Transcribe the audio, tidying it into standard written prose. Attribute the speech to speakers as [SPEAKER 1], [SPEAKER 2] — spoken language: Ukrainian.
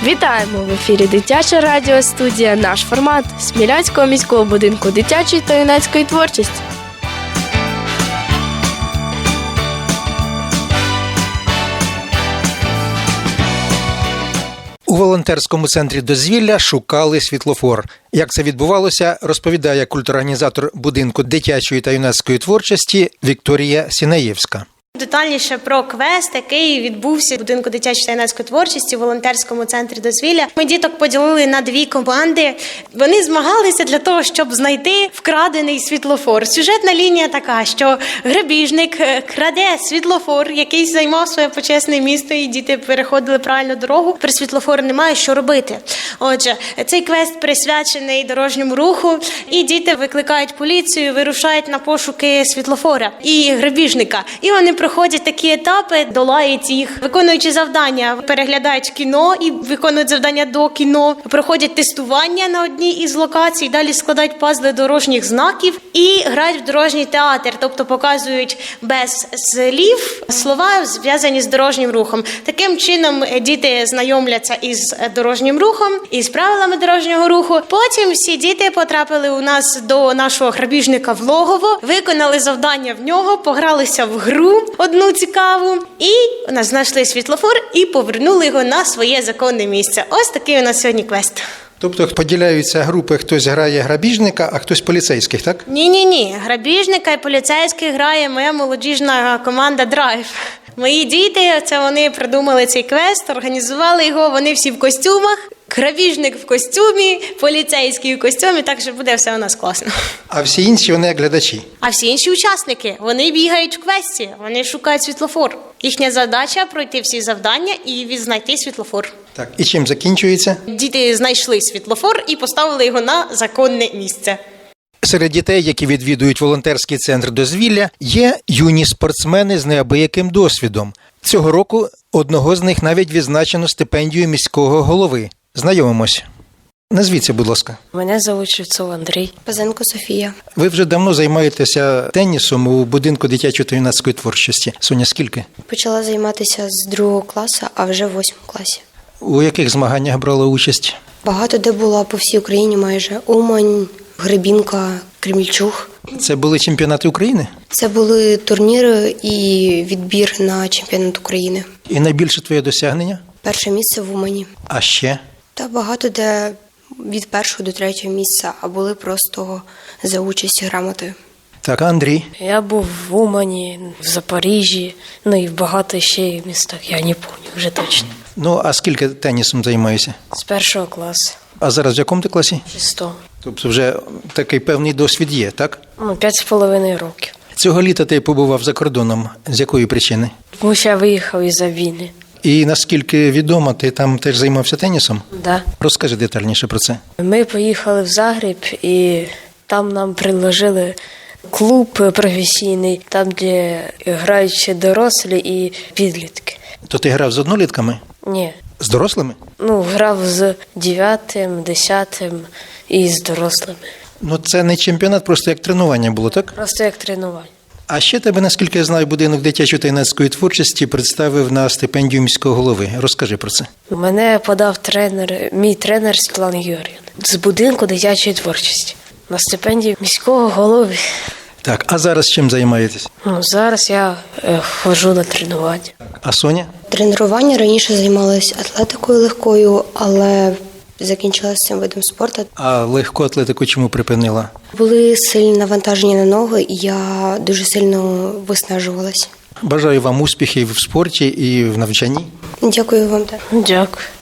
[SPEAKER 1] Вітаємо! В ефірі Дитяча радіостудія «Наш формат» Смілянського міського будинку дитячої та юнацької творчості.
[SPEAKER 2] У волонтерському центрі дозвілля шукали світлофор. Як це відбувалося, розповідає культурорганізатор будинку дитячої та юнацької творчості Вікторія Сінаєвська.
[SPEAKER 3] Детальніше про квест, який відбувся в будинку дитячої та юнацької творчості у волонтерському центрі дозвілля. Ми діток поділили на дві команди. Вони змагалися для того, щоб знайти вкрадений світлофор. Сюжетна лінія така, що грабіжник краде світлофор, який займав своє почесне місто, і діти переходили правильну дорогу. При світлофору немає що робити. Отже, цей квест присвячений дорожньому руху, і діти викликають поліцію, вирушають на пошуки світлофора і грабіжника. І вони проходять такі етапи, долають їх, виконуючи завдання, переглядають кіно і виконують завдання до кіно, проходять тестування на одній із локацій, далі складають пазли дорожніх знаків і грають в дорожній театр, тобто показують без слів слова, зв'язані з дорожнім рухом. Таким чином діти знайомляться із дорожнім рухом, із правилами дорожнього руху. Потім всі діти потрапили у нас до нашого грабіжника в логово, виконали завдання в нього, погралися в гру одну цікаву, і у нас знайшли світлофор і повернули його на своє законне місце. Ось такий у нас сьогодні квест.
[SPEAKER 2] Тобто поділяються групи, хтось грає грабіжника, а хтось поліцейських, так?
[SPEAKER 3] Ні. Грабіжника і поліцейських грає моя молодіжна команда «Драйв». Мої діти, це вони придумали цей квест, організували його, вони всі в костюмах. Грабіжник в костюмі, поліцейський в костюмі, так що буде все у нас класно.
[SPEAKER 2] А всі інші, вони як глядачі?
[SPEAKER 3] А всі інші учасники, вони бігають в квесті, вони шукають світлофор. Їхня задача – пройти всі завдання і відзнайти світлофор.
[SPEAKER 2] Так, і чим закінчується?
[SPEAKER 3] Діти знайшли світлофор і поставили його на законне місце.
[SPEAKER 2] Серед дітей, які відвідують волонтерський центр дозвілля, є юні спортсмени з неабияким досвідом. Цього року одного з них навіть відзначено стипендію міського голови. Знайомимось. Назвіться, будь ласка.
[SPEAKER 4] Мене звуть Шевцов Андрій.
[SPEAKER 5] Пазенко Софія.
[SPEAKER 2] Ви вже давно займаєтеся тенісом у будинку дитячої та юнацької творчості. Соня, скільки?
[SPEAKER 5] Почала займатися з 2 класу, а вже в 8 класі.
[SPEAKER 2] У яких змаганнях брала участь?
[SPEAKER 5] Багато де була по всій Україні майже. Умань, Гребінка, Кремільчуг.
[SPEAKER 2] Це були чемпіонати України?
[SPEAKER 5] Це були турніри і відбір на чемпіонат України.
[SPEAKER 2] І найбільше твоє досягнення?
[SPEAKER 5] Перше місце в Умані.
[SPEAKER 2] А ще?
[SPEAKER 5] Та багато де від 1-го до 3-го місця, а були просто за участь грамотою.
[SPEAKER 2] Так, Андрій?
[SPEAKER 4] Я був в Умані, в Запоріжжі, і в багато ще містах, я не пам'ятаю вже точно.
[SPEAKER 2] Ну, а скільки тенісом займаєшся?
[SPEAKER 4] З 1-го класу.
[SPEAKER 2] А зараз в якому ти класі?
[SPEAKER 4] 6-го.
[SPEAKER 2] Тобто вже такий певний досвід є, так?
[SPEAKER 4] 5,5 років.
[SPEAKER 2] Цього літа ти побував за кордоном. З якої причини?
[SPEAKER 4] Тому що я виїхав із-за війни.
[SPEAKER 2] І наскільки відомо, ти там теж займався тенісом?
[SPEAKER 4] Да.
[SPEAKER 2] Розкажи детальніше про це.
[SPEAKER 4] Ми поїхали в Загреб, і там нам предложили клуб професійний, там, де грають ще дорослі і підлітки.
[SPEAKER 2] То ти грав з однолітками?
[SPEAKER 4] Ні.
[SPEAKER 2] З дорослими?
[SPEAKER 4] Грав з 9-м, 10-м і з дорослими.
[SPEAKER 2] Ну, це не чемпіонат, просто як тренування було, так?
[SPEAKER 4] Просто як тренування.
[SPEAKER 2] А ще тебе, наскільки я знаю, будинок дитячої та юнацької творчості представив на стипендію міського голови. Розкажи про це.
[SPEAKER 4] Мене подав мій тренер Світлана Георгіївна з будинку дитячої творчості на стипендію міського голови.
[SPEAKER 2] Так, а зараз чим займаєтесь?
[SPEAKER 4] Зараз я ходжу на тренування.
[SPEAKER 2] А Соня?
[SPEAKER 5] Тренування раніше займалася атлетикою легкою, але закінчила з цим видом спорту.
[SPEAKER 2] А легку атлетику чому припинила?
[SPEAKER 5] Були сильні навантаження на ноги, і я дуже сильно виснажувалась.
[SPEAKER 2] Бажаю вам успіхів в спорті і в навчанні.
[SPEAKER 5] Дякую вам.
[SPEAKER 4] Дякую.